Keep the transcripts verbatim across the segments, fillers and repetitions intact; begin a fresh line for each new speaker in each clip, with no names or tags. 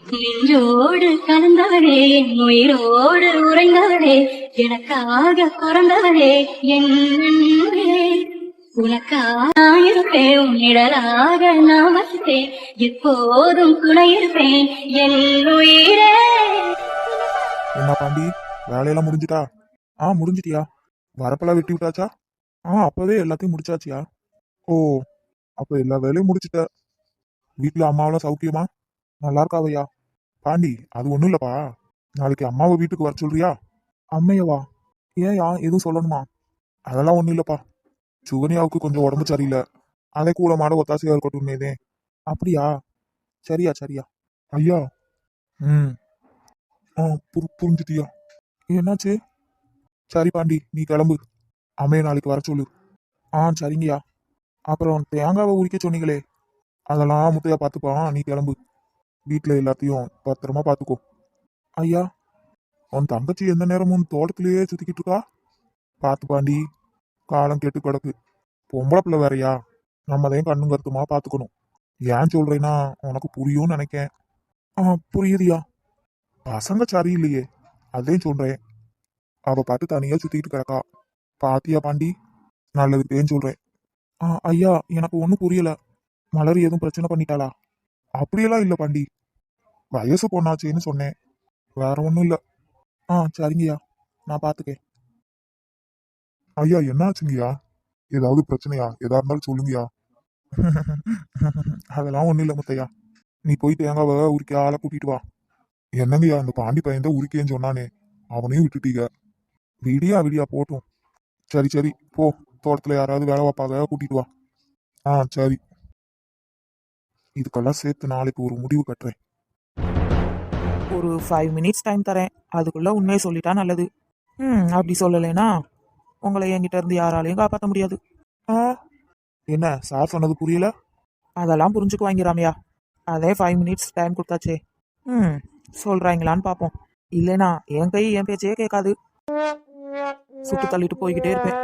நின்றோடு கலந்தவளே என் உயிரோடு உறைந்தவளே எனக்காக பிறந்தவளே என் அன்பே. உனக்காக இருப்பேன் உன்னிடலாக நான் வசித்தேன் எப்போதும் துணை இருப்பேன் என் உயிரே.
என்ன பாண்டி, வேலையெல்லாம் முடிஞ்சிட்டா? ஆ முடிஞ்சிட்டியா? வரப்பெல்லாம் வெட்டி விட்டாச்சா? ஆ அப்பவே எல்லாத்தையும் முடிச்சாச்சியா? ஓ, அப்ப எல்லா வேலையும் முடிச்சிட்ட. வீட்டுல அம்மாவெல்லாம் சௌக்கியமா? நல்லா இருக்காவையா? பாண்டி, அது ஒண்ணும் இல்லப்பா. நாளைக்கு அம்மாவை வீட்டுக்கு வர சொல்றியா? அம்மையவா? ஏன்யா, எதுவும் சொல்லணுமா? அதெல்லாம் ஒண்ணும் இல்லப்பா. சுகன்யாவுக்கு கொஞ்சம் உடம்பு சரியில்லை. அதை கூட மாட ஒத்தாசையா இருக்கட்டும்னேதே. அப்படியா? சரியா சரியா. ஐயா. ம். ஆ புரி புரிஞ்சுட்டியா? என்னாச்சு? சரி பாண்டி, நீ கிளம்பு. அம்மையை நாளைக்கு வர சொல்லு. ஆ சரிங்கய்யா. அப்புறம் தேங்காவை உரிக்க சொன்னீங்களே, அதெல்லாம் முத்தையா பார்த்துப்பான். நீ கிளம்பு. வீட்டில் எல்லாத்தையும் பத்திரமா பார்த்துக்கோ. ஐயா, உன் தங்கச்சி எந்த நேரமும் தோட்டத்திலேயே சுத்திக்கிட்டு இருக்கா. பார்த்து பாண்டி, காலம் கெட்டு கிடக்கு. பொம்பளை பிள்ளை வேறையா, நம்ம தான் கண்ணும் கருத்துமா பார்த்துக்கணும். ஏன் சொல்றேன்னா உனக்கு புரியும்னு நினைக்கேன். ஆ புரியுதியா. பசங்க சரியில்லையே, அதையும் சொல்றேன். அவ பாட்டு தனியா சுத்திக்கிட்டு கிடக்கா. பாத்தியா பாண்டி, நல்லதுக்கேன்னு சொல்றேன். ஆ ஐயா, எனக்கு ஒன்றும் புரியல. மலர் எதுவும் பிரச்சனை பண்ணிட்டாளா? அப்படியெல்லாம் இல்லை பாண்டி, வயசு பொண்ணாச்சேன்னு சொன்னேன், வேற ஒன்றும் இல்லை. ஆ சரிங்கய்யா, நான் பார்த்துக்கேன். ஐயா என்னாச்சுங்கய்யா? ஏதாவது பிரச்சனையா? எதா இருந்தாலும் சொல்லுங்கய்யா. அதெல்லாம் ஒன்றும் இல்லை முத்தையா. நீ போய் தேங்காவை உரிக்க ஆளை கூட்டிட்டு வா. என்னங்கய்யா, அந்த பாண்டி பையன் தான் உரிக்கேன்னு சொன்னானே, அவனையும் விட்டுட்டீங்க. விடியா விடியா போட்டும். சரி சரி போ, தோட்டத்துல யாராவது வேலை பார்ப்பாக, கூட்டிட்டு வா. ஆ சரி. இதுக்கெல்லாம் சேர்த்து நாளைக்கு ஒரு முடிவு கட்டுறேன்.
ஒரு ஃபைவ் மினிட்ஸ் டைம் தரேன், அதுக்குள்ள உண்மையை சொல்லிட்டா நல்லது. ம் அப்படி சொல்லலைன்னா உங்களை என்கிட்ட இருந்து யாராலையும் காப்பாற்ற முடியாது.
ஆ என்ன சார் சொன்னது புரியல?
அதெல்லாம் புரிஞ்சுக்குவாங்க ராமையா. அதே ஃபைவ் மினிட்ஸ் டைம் கொடுத்தாச்சே. ம் சொல்றாங்களான்னு பார்ப்போம். இல்லைனா என் கை என் பேச்சே கேட்காது. சுட்டு தள்ளிட்டு போய்கிட்டே இருப்பேன்.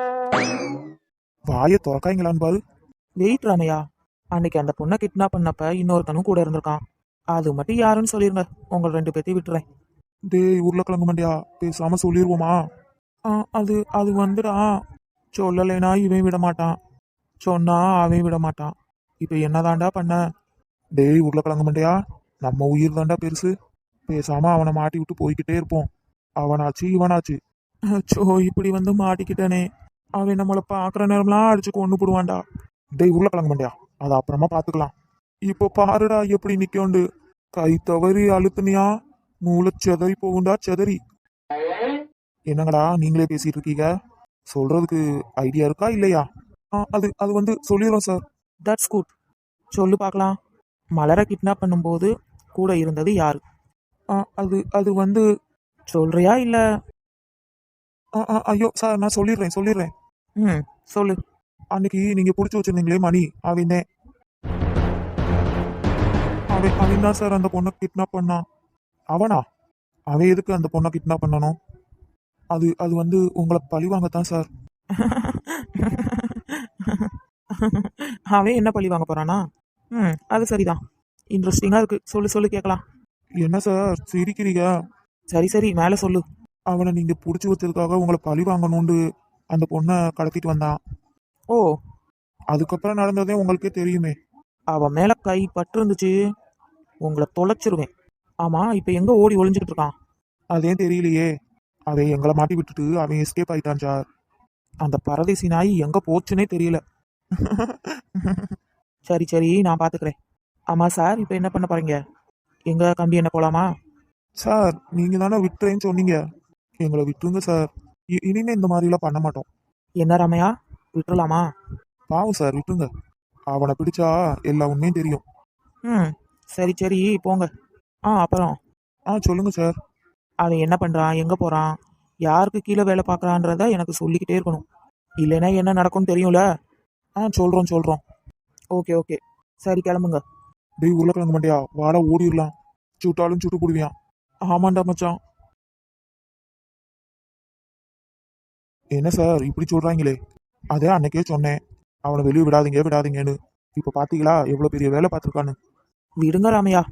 வாயை திறக்காங்களான்னு பாரு.
வெயிட் ராமையா, அன்னைக்கு அந்த பொண்ணை கிட்னாப் பண்ணப்ப இன்னொருத்தனும் கூட இருந்திருக்கான். அது மட்டும் யாருன்னு சொல்லிருங்க, உங்கள் ரெண்டு பேர்த்தையும் விட்டுறேன்.
டேய் உருளைக்கிழங்கு மண்டியா, பேசாம சொல்லிடுவோமா? ஆ அது அது வந்துடா. சொல்லலைனா இவன் விட மாட்டான், சொன்னா அவன் விட மாட்டான். இப்ப என்னதாண்டா பண்ண? டேய் உருளைக்கிழங்கு மண்டியா, நம்ம உயிர் தாண்டா பெருசு. பேசாம அவனை மாட்டி விட்டு போய்கிட்டே இருப்போம். அவனாச்சு இவனாச்சு. சோ இப்படி வந்து மாட்டிக்கிட்டனே. அவன் நம்மளை பாக்குற நேரம்லாம் அடிச்சு கொண்டு போடுவான்டா. டேய் உருளைக்கிழங்கு மண்டியா, அதை அப்புறமா பாத்துக்கலாம். இப்போ பாருடா எப்படி நிக்கோண்டு. கை தவறி அழுத்துனியா மூளை செதறி போகுண்டா செதறி. என்னங்கடா நீங்களே பேசிட்டு இருக்கீங்க? சொல்றதுக்கு ஐடியா இருக்கா இல்லையா? ஆ அது அது வந்து சொல்லிடுறோம் சார்.
That's good. சொல்லு பார்க்கலாம். மலரை கிட்னாப் பண்ணும்போது கூட இருந்தது யாரு?
ஆ அது அது வந்து
சொல்றியா இல்ல?
ஆ ஆ ஐயோ சார், நான் சொல்லிடுறேன் சொல்லிடுறேன்.
ம் சொல்லு.
அன்னைக்கு நீங்க புடிச்சு வச்சிருந்தீங்களே மணி, அவன் அவன் அவன் தான் சார் அந்த பொண்ணை கிட்னாப் பண்ணான். அவனா? அவன் எதுக்கு அந்த பொண்ணை கிட்னாப் பண்ணணும்? அது அது வந்து உங்களை பழி வாங்கத்தான் சார்.
அவன் என்ன பழி வாங்க போறானா? ம் அது சரிதான். இன்ட்ரெஸ்டிங்கா இருக்கு, சொல்லு சொல்லு கேட்கலாம்.
என்ன சார் சிரிக்கிறீங்க?
சரி சரி மேலே சொல்லு.
அவனை நீங்க புடிச்சு வச்சதுக்காக உங்களை பழி வாங்கணும்னு அந்த பொண்ணை கடத்திட்டு வந்தான்.
ஓ,
அதுக்கப்புறம் நடந்ததே உங்களுக்கே தெரியுமே.
அவன் மேல கை பட்டு இருந்துச்சு, உங்களை தொலைச்சிருவேன். ஆமா இப்ப எங்க ஓடி ஒளிஞ்சுக்கிட்டு இருக்கான்?
அதே தெரியலையே. அவன் எங்களை மாட்டி விட்டுட்டு அவன் எஸ்கேப் ஆயிட்டான் சார்.
அந்த பரதேசி நாய் எங்க போச்சுன்னே தெரியல. சரி சரி நான் பாத்துக்கிறேன். ஆமா சார், இப்ப என்ன பண்ண போறீங்க? எங்க கம்பி என்ன போலாமா?
சார் நீங்க தானே விட்டுறேன்னு சொன்னீங்க, எங்களை விட்டுருங்க சார். இ- இனிமே இந்த மாதிரிலாம் பண்ண மாட்டோம்.
என்ன ராமையா, விட்டுறலாமா?
பாவம் சார், விட்டுருங்க. அவனை பிடிச்சா எல்லா உண்மையும் தெரியும்.
ம் சரி சரி போங்க. ஆ அப்புறம்
ஆ சொல்லுங்க சார்.
அவன் என்ன பண்றான், எங்க போறான், யாருக்கு கீழே வேலை பார்க்கறான்றத எனக்கு சொல்லிக்கிட்டே இருக்கணும். இல்லைன்னா என்ன நடக்கும்னு தெரியும்ல.
ஆ சொல்றோம் சொல்றோம்.
ஓகே ஓகே சரி கிளம்புங்க.
டேய் உருளைக்கிழங்கு மண்டியா, வாடா ஓடிடலாம். சுட்டாலும் சுட்டு போடுவியான். ஆமாண்டா மச்சான். என்ன சார் இப்படி சொல்றாங்களே? அதே அன்னைக்கே சொன்னேன், அவனை வெளியே விடாதீங்க விடாதீங்கன்னு. இப்ப பாத்தீங்களா எவ்வளவு பெரிய வேலை பார்த்துருக்கான்னு.
விடுங்க ராமையா,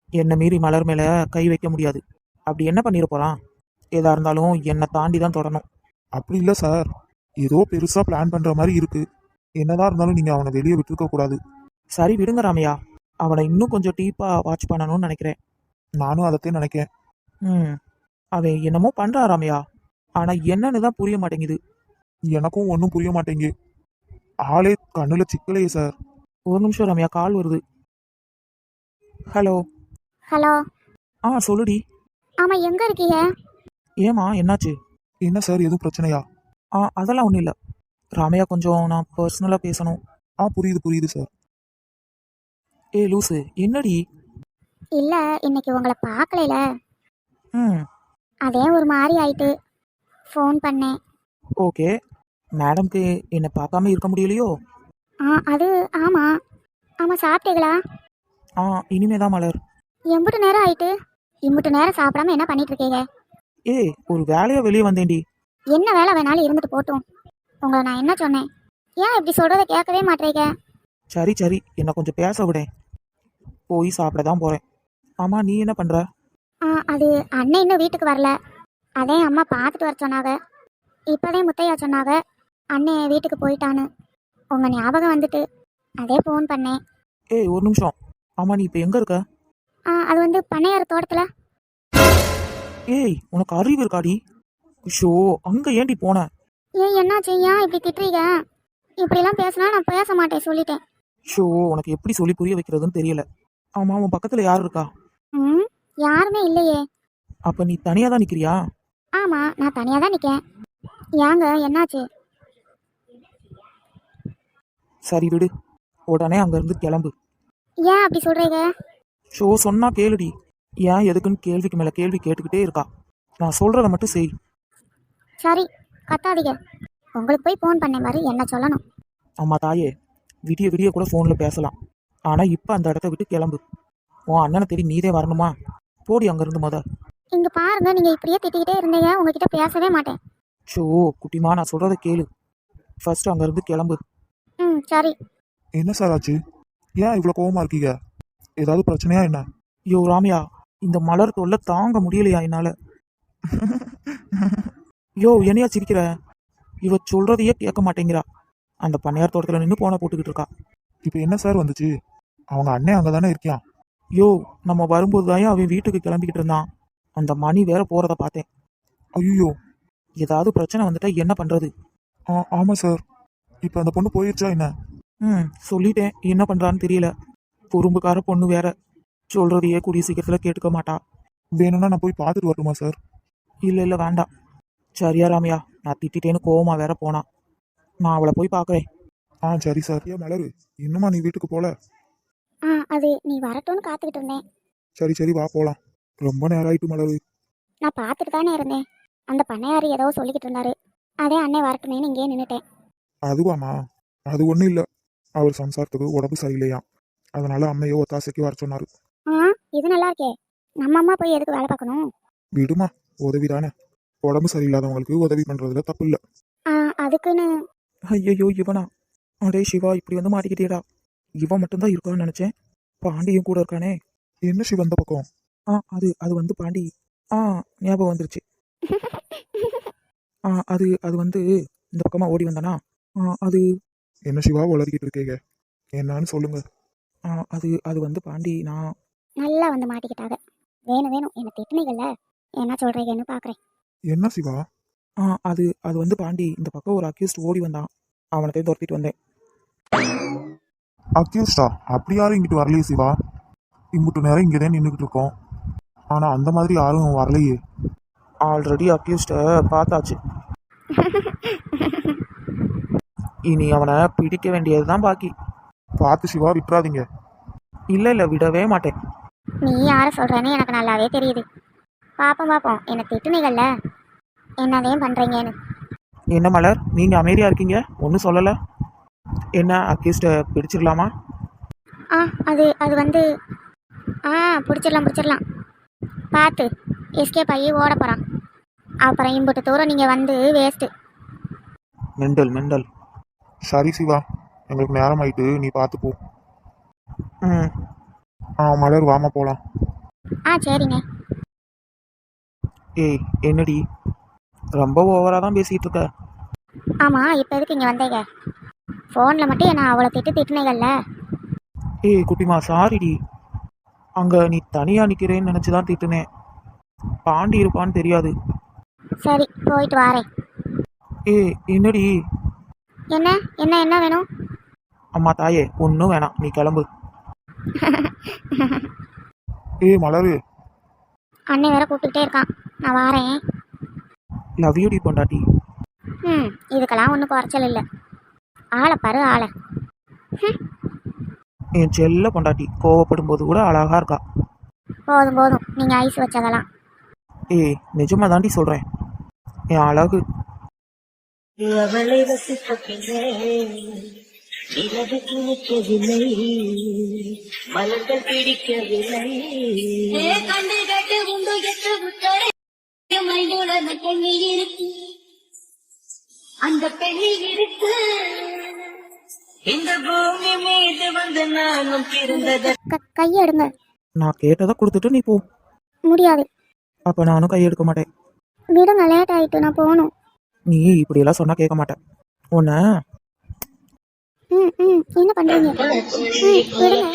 என்னை மீறி மலர் மேலே கை வைக்க முடியாது. அப்படி என்ன பண்ணிட போகிறான்? எதா இருந்தாலும் என்னை தாண்டி தான் தொடணும்.
அப்படி இல்லை சார், ஏதோ பெருசா பிளான் பண்ற மாதிரி இருக்கு. என்னதான் இருந்தாலும் நீங்க அவனை வெளியே விட்டுருக்க கூடாது.
சரி விடுங்க ராமையா, அவனை இன்னும் கொஞ்சம் டீப்பாக வாட்ச் பண்ணணும்னு நினைக்கிறேன்.
நானும் அதைத்தான் நினைக்கேன்.
ம் அவன் என்னமோ பண்ணுறான் ராமையா, ஆனால் என்னன்னு தான் புரிய மாட்டேங்குது.
எனக்கும் ஒன்றும் புரிய மாட்டேங்கு. ஆளே கண்ணுல சிக்கலையே சார்.
ஒரு நிமிஷம் ராமையா, கால் வருது. ஹலோ.
ஹலோ.
ஆ சொல்லுடி.
ஆமாம், எங்கே இருக்கீங்க?
ஏமா என்னாச்சு?
என்ன சார், எதுவும் பிரச்சனையா?
ஆ அதெல்லாம் ஒன்றும் இல்லை ராமையா, கொஞ்சம் நான் பர்சனலாக பேசணும்.
ஆ புரியுது புரியுது சார்.
ஏ லூசு, என்னடி?
இல்லை, இன்னைக்கு உங்களை பார்க்கலைல,
ம்
அதே ஒரு மாதிரி ஆயிட்டு ஃபோன் பண்ணேன்.
ஓகே. மேடம்க்கு என்னை பார்க்காம இருக்க முடியலையோ?
ஆ அது ஆமாம். ஆமாம், சாப்பிட்டீங்களா?
ஆ இனிமே தான் மலர்.
எம்புட்டு நேரம் ஆயிட்டு, இம்புட்டு நேரம் சாப்பிடாம என்ன பண்ணிட்டு இருக்கீங்க?
ஏய், ஒரு வேலையாக வெளியே வந்தேன்டி.
என்ன வேலை வேணாலும் இருந்துட்டு போட்டும். உங்களை நான் என்ன சொன்னேன்? ஏன் இப்படி சொல்கிறத கேட்கவே மாட்டேங்க?
சரி சரி, என்னை கொஞ்சம் பேச விடேன். போய் சாப்பிட தான் போகிறேன். ஆமாம், நீ என்ன பண்ணுற?
ஆ அது அண்ணன் இன்னும் வீட்டுக்கு வரல. அதே அம்மா பார்த்துட்டு வர சொன்னாங்க. இப்போதே முத்தையா சொன்னாங்க அண்ணன் வீட்டுக்கு போயிட்டான்னு. உங்கள் ஞாபகம் வந்துட்டு அதே ஃபோன் பண்ணேன்.
ஏய் ஒரு நிமிஷம். ஆமாம், நீ இப்போ எங்கே இருக்க?
ஆ அது வந்து பண்ணையார் தோட்டத்தில்.
ஏய், உனக்கு அறிவு இருக்காடி? ஷோ, அங்கே ஏண்டி போன?
ஏன் என்னாச்சு? ஏன் இப்படி திட்டுறீங்க? இப்படிலாம் பேசினா நான் பேச மாட்டேன் சொல்லிட்டேன்.
ஷோ, உனக்கு எப்படி சொல்லி புரிய வைக்கிறதுன்னு தெரியல. ஆமாம், உன் பக்கத்தில் யார் இருக்கா?
ம் யாருமே இல்லையே.
அப்போ நீ தனியாக தான் நிற்கிறியா?
ஆமாம், நான் தனியாக தான் நிற்கேன். ஏங்க என்னாச்சு?
சரி விடு, உடனே அங்கேருந்து கிளம்பு.
ஏன் அப்படி சொல்கிறீங்க?
ஷோ சொன்னா கேளுடி. ஏன் எதுக்குன்னு கேள்விக்கு மேலே கேள்வி கேட்டுக்கிட்டே இருக்கா. நான் சொல்கிறத மட்டும் செய்.
சரி, கத்தாதீங்க. உங்களுக்கு போய் ஃபோன் பண்ண மாதிரி என்ன சொல்லணும்?
அம்மா தாயே, விடிய விடிய கூட ஃபோனில் பேசலாம். ஆனால் இப்போ அந்த இடத்த விட்டு கிளம்பு. உன் அண்ணனை தேடி நீதே வரணுமா? போடி அங்கேருந்து முத.
இங்கே பாருங்க, நீங்கள் இப்படியே திட்டிக்கிட்டே இருந்தீங்க, உங்ககிட்ட பேசவே மாட்டேன்.
ஷோ குட்டிமா, நான் சொல்கிறத கேளு. ஃபர்ஸ்ட் அங்கேருந்து கிளம்பு.
ம் சரி.
என்ன சார் ஆச்சு? ஏன் இவ்வளோ கோவமா இருக்கீங்க? ஏதாவது பிரச்சனையா என்ன?
யோ ராமியா, இந்த மலர் தொல்லை தாங்க முடியலையா என்னால். யோ என்னையா சிரிக்கிற? இவ சொல்றதையே கேட்க மாட்டேங்கிறா. அந்த பண்ணையார் தோட்டத்தில் நின்று போன போட்டுக்கிட்டு இருக்கா.
இப்போ என்ன சார் வந்துச்சு? அவங்க அண்ணன் அங்கே தானே இருக்கியான்.
யோ, நம்ம வரும்போது தான் அவன் வீட்டுக்கு கிளம்பிக்கிட்டு இருந்தான். அந்த மணி வேற போறத பார்த்தேன்.
ஐயோ.
ஏதாவது பிரச்சனை வந்துட்டா என்ன பண்றது?
ஆ ஆமாம் சார். இப்போ அந்த பொண்ணு போயிடுச்சா என்ன?
ம் சொல்லிட்டேன், என்ன பண்றான்னு தெரியல. குறும்புக்கார பொண்ணு வேற. சொல்றதையே கூடிய சீக்கிரத்தில் கேட்டுக்க மாட்டா.
வேணும்னா நான் போய் பார்த்துட்டு வரட்டுமா சார்?
இல்லை இல்லை வேண்டாம். சரியா ராமியா, நான் திட்டிட்டேன்னு கோவமா வேற போனா. நான் அவளை போய் பார்க்குறேன்.
ஆ சரி சார். ஏன் மலரு, இன்னுமா நீ வீட்டுக்கு போல?
ஆ அது நீ வரட்டும்னு காத்துக்கிட்டு இருந்தேன்.
சரி சரி வா போகலாம். ரொம்ப நேரம் ஆயிட்டு மலரு.
நான் பார்த்துட்டு தானே இருந்தேன். அந்த பண்ணையார் ஏதோ சொல்லிக்கிட்டு இருந்தாரு. அதே அண்ணன் வரட்டுமேன்னு இங்கேயே நின்றுட்டேன்.
அதுவாமா? அது ஒன்றும் இல்லை. அவர் சம்சாரத்துக்கு உடம்பு சரியில்லையா, அதனால அம்மையோ ஒத்தாசைக்கு வர சொன்னார்.
ஆ இது நல்லா இருக்கே. நம்ம அம்மா போய் எதுக்கு வேலை பார்க்கணும்?
விடுமா, உதவி தானே. உடம்பு சரியில்லாதவங்களுக்கு உதவி பண்ணுறதுல தப்பு இல்லை.
ஆ அதுக்குன்னு.
ஐயோ இவனா? அடே சிவா, இப்படி வந்து மாட்டிக்கிட்டேடா. இவன் மட்டும்தான் இருக்கான்னு நினச்சேன். பாண்டியும் கூட இருக்கானே.
என்ன சிவ அந்த பக்கம்?
ஆ அது அது வந்து பாண்டி. ஆ ஞாபகம் வந்துருச்சு. ஆ அது அது வந்து இந்த பக்கமாக ஓடி வந்தானா? ஆ அது
என்ன சிவா உளறிக்கிட்டு இருக்கீங்க? என்னன்னு சொல்லுங்க.
ஆ அது அது வந்து பாண்டி, நான்
நல்லா வந்து மாட்டிக்கிட்டாங்க. வேணும் வேணும் என்ன திட்டுனீங்கல்ல, என்ன சொல்றீங்கன்னு பார்க்குறேன்.
என்ன சிவா?
ஆ அது அது வந்து பாண்டி, இந்த பக்கம் ஒரு அக்யூஸ்ட் ஓடி வந்தான். அவனை துரத்திட்டு வந்தேன்.
அக்யூஸ்டா? அப்படி யாரும் இங்கிட்டு வரலையே சிவா. இங்கிட்டு நேரம் இங்கே தான் நின்றுக்கிட்டு இருக்கோம். ஆனால் அந்த மாதிரி யாரும் வரலையே.
ஆல்ரெடி அக்யூஸ்டை பார்த்தாச்சு. இனி அவனை பிடிக்க வேண்டியது தான் பாக்கி.
பார்த்து சிவா, விட்டுறாதீங்க.
இல்லை இல்லை, விடவே மாட்டேன்.
நீ யாரை சொல்கிறேன்னு எனக்கு நல்லாவே தெரியுது. பார்ப்போம் பார்ப்போம் என்ன திட்டுனீங்கல்ல, என்னதையும் பண்ணுறீங்கன்னு.
என்ன மலர், நீங்கள் அமைதியாக இருக்கீங்க, ஒன்றும் சொல்லலை. என்ன, அக்யூஸ்டை பிடிச்சிடலாமா?
ஆ அது அது வந்து ஆ பிடிச்சிடலாம் பிடிச்சிடலாம். பார்த்து எஸ்கேப் ஆகி ஓட போகிறான். அப்புறம் இம்புட்டு தூரம் நீங்கள் வந்து வேஸ்ட்டு.
Mental mental.
சரி சிவா, எங்களுக்கு நேரம் ஆயிட்டு, நீ பார்த்து போ.
ம்
ஆ மலர் வாமா போகலாம்.
ஆ சரிங்க.
ஏய் என்னடி ரொம்ப ஓவரா தான் பேசிட்டு இருக்க.
ஆமாம், இப்போ எதுக்கு இங்கே வந்தீங்க? ஃபோனில் மட்டும் என்ன அவ்வளோ திட்டு திட்டுனீங்கல்ல.
ஏய் குட்டிமா சாரிடி. அங்க நீ தனியா நிக்கிறேன்னு நினைச்சு தான் திட்டுனேன். பாண்டி இருப்பான்னு தெரியாது.
சரி, போயிட்டு வாரேன்.
ஏய் என்னடி?
என்ன என்ன என்ன வேணும்?
அம்மா தாயே ஒன்றும் வேணாம், நீ கிளம்பு.
ஏய் மலரு,
அண்ணன் வேற கூப்பிட்டுக்கிட்டே இருக்கான், நான் வாரேன்.
லவ் யூ டி பொண்டாட்டி.
ம் இதுக்கெல்லாம் ஒன்றும் குறைச்சல் இல்லை. ஆளை பாரு ஆளை.
என் செல்ல பொண்டாட்டி கோவப்படும் போது கூட அழகா இருக்கா.
போதும் போதும், நீங்கள் ஐஸ் வச்சதெல்லாம்.
ஏய் நிஜமா தாண்டி சொல்றேன், என் அழகு.
அவளை ரசித்த பின்னே நிலவுக்கு நிற்கவில்லை, மலர்கள் பிடிக்கவில்லை. கண்டு கட்டு உண்டு எட்டு உத்தரை மையோட பெண்ணில் இருக்கு, அந்த பெண்ணில் இருக்கு. இந்த பூமி மீது வந்து நானும் பிறந்தது.
க கையை எடுங்க.
நான் கேட்டதை கொடுத்துட்டு நீ போ.
முடியாது.
அப்ப நானும் கையெடுக்க மாட்டேன்.
விடுங்க, லேட் ஆயிட்டு, நான் போகணும்.
நீ இப்படியெல்லாம் சொன்னா கேட்க மாட்டேன் உன்ன.
ம் ம் என்ன பண்ணுறீங்க? ம் விடுங்க.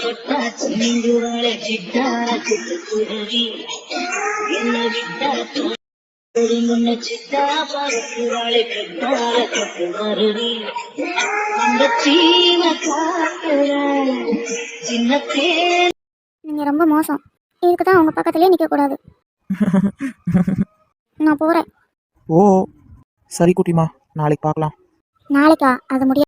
நீங்கள் ரொம்ப மோசம். இதுக்கு தான் உங்கள் பக்கத்துலேயே நிற்கக்கூடாது. நான் போகிறேன்.
ஓ சரி குட்டிமா, நாளைக்கு பார்க்கலாம்.
நாளைக்கா? அது முடியாது.